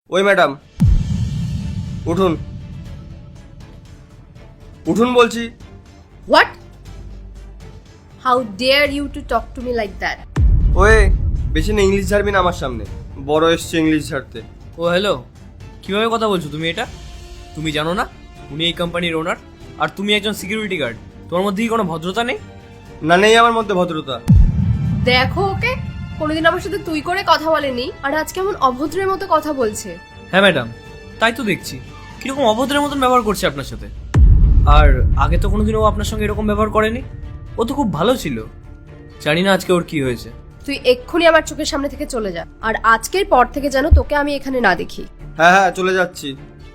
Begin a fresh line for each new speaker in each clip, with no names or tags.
ওই ম্যাডাম, উঠুন উঠুন বলছি।
What? How dare you to talk to me like that?
ওই বেশি না ইংলিশ ঝাড়বি না আমার সামনে, বড় এসছে ইংলিশ ঝাড়তে।
ও হ্যালো, কিভাবে কথা বলছো তুমি এটা? তুমি জানো না উনি এই কোম্পানির ওনার, আর তুমি একজন সিকিউরিটি গার্ড। তোমার মধ্যে কি কোনো ভদ্রতা নেই?
না, নেই আমার মধ্যে ভদ্রতা।
দেখো ওকে, কোনোদিন আমার সাথে তুই করে কথা বলেনি আর আজকে এমন অভদ্রের মতো কথা বলছে।
হ্যাঁ ম্যাডাম, তাই তো দেখছি কিরকম অভদ্রের মতন ব্যবহার করছে আপনার সাথে। আর আগে তো কোনোদিনও ও আপনার সঙ্গে এরকম ব্যবহার করেনি। ও তো খুব ভালো ছিল। জানি না আজকে ওর কি হয়েছে।
তুই এক্ষুনি আমার চোখের সামনে থেকে চলে যা, আর আজকের পর থেকে যেন তোকে আমি এখানে না দেখি।
হ্যাঁ হ্যাঁ, চলে যাচ্ছি।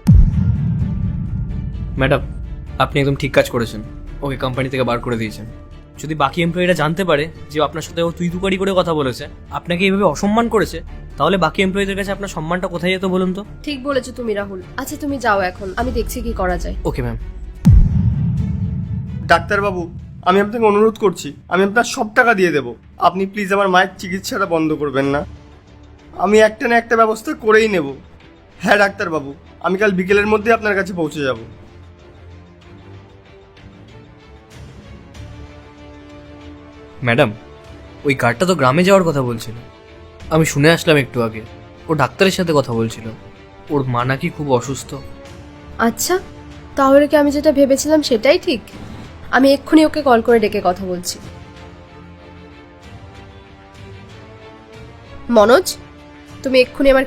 ম্যাডাম, আপনি একদম ঠিক কাজ করেছেন, ওকে কোম্পানি থেকে বার করে দিয়েছেন। যদি বাকি এমপ্লয়িরা জানতে পারে যে আপনার সাথে ও তুই তুকারি করে কথা বলেছে, আপনাকে এইভাবে অসম্মান করেছে, তাহলে বাকি এমপ্লয়িদের কাছে আপনার সম্মানটা কোথায় যেত বলুন তো?
ঠিক বলেছো তুমি রাহুল। আচ্ছা তুমি যাও এখন, আমি দেখছি কি করা যায়।
Okay ma'am.
ডাক্তারবাবু, আমি আপনাকে অনুরোধ করছি, আমি আপনার সব টাকা দিয়ে দেবো, আপনি প্লিজ আমার মায়ের চিকিৎসাটা বন্ধ করবেন না। আমি একটা না একটা ব্যবস্থা করেই নেব। হ্যাঁ ডাক্তারবাবু, আমি কাল বিকেলের মধ্যে আপনার কাছে পৌঁছে যাব।
ম্যাডাম, ওই গার্ডটা তো গ্রামে যাওয়ার কথা বলছিল। আমি শুনে আসলাম একটু আগে ও ডাক্তারের সাথে কথা বলছিল। ওর মা নাকি খুব অসুস্থ।
আচ্ছা, তাহলে কি আমি যেটা ভেবেছিলাম সেটাই ঠিক? আমি এক্ষুনি ওকে কল করে ডেকে কথা বলছি। মনোজ, তুমি এক্ষুনি আমার